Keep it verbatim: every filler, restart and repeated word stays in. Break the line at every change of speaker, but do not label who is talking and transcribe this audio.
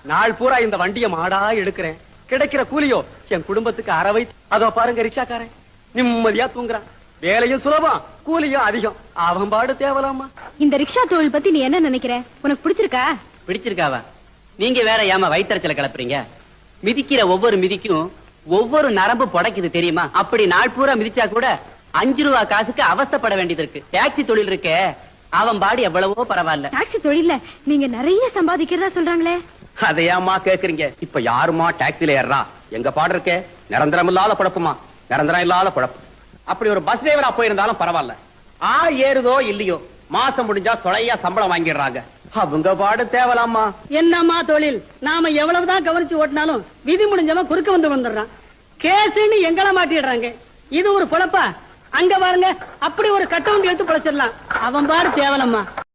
நாள் பூரா இந்த வண்டிய மாடா எடுக்கிறேன். கிடைக்கிற கூலியோ என் குடும்பத்துக்கு அறவை. அதோ பாருங்க ரிக்ஷாக்காரன் நிம்மதியா தூங்குறான். வேலையும் சுலபம், கூலியும் அதிகம். அவன் பாடு தேவலாமா.
இந்த ரிக்ஷா தொழில் பத்தி நீ என்ன நினைக்கிற? உனக்கு பிடிச்சிருக்கா?
பிடிச்சிருக்காவா? நீங்க வேற ஏமா வயிற்றுச்சல கிளப்புறீங்க? மிதிக்கிற ஒவ்வொரு மிதிக்கும் ஒவ்வொரு நரம்பு புடைக்குது தெரியுமா? அப்படி நாள் பூரா மிதிச்சா கூட அஞ்சு ரூபா காசுக்கு அவஸ்தைப்பட வேண்டியது இருக்கு. டாக்ஸி தொழில் இருக்கே, அவன் பாடு எவ்வளவோ பரவாயில்ல.
டாக்ஸி தொழில நீங்க நிறைய சம்பாதிக்கிறதா சொல்றாங்களே.
அதையாமா கேக்குறீங்க? இப்ப யாருமா டாக்ஸில ஏறா? எங்க பாடு இருக்கே நிரந்தரம் இல்லாத குழப்பமா, நிரந்தரம் இல்லாத குழப்பம். அப்படி ஒரு பஸ் டிரைவரா போயிருந்தாலும் பரவாயில்ல. ஆள் ஏறுதோ இல்லையோ மாசம் முடிஞ்சா சொலையா சம்பளம் வாங்கிடுறாங்க. அவங்க பாடு தேவலாமா.
என்னம்மா தொழில்? நாம எவ்வளவுதான் கவனிச்சு ஓட்டினாலும் விதி முடிஞ்சவன் குறுக்க வந்து வந்துடுறான். கேசுன்னு எங்கள மாட்டிடுறாங்க. இது ஒரு பொழப்பா? அங்க பாருங்க, அப்படி ஒரு கட்டவுண்ட் எடுத்து பொழைச்சிடலாம். அவன் பாடு தேவலம்மா.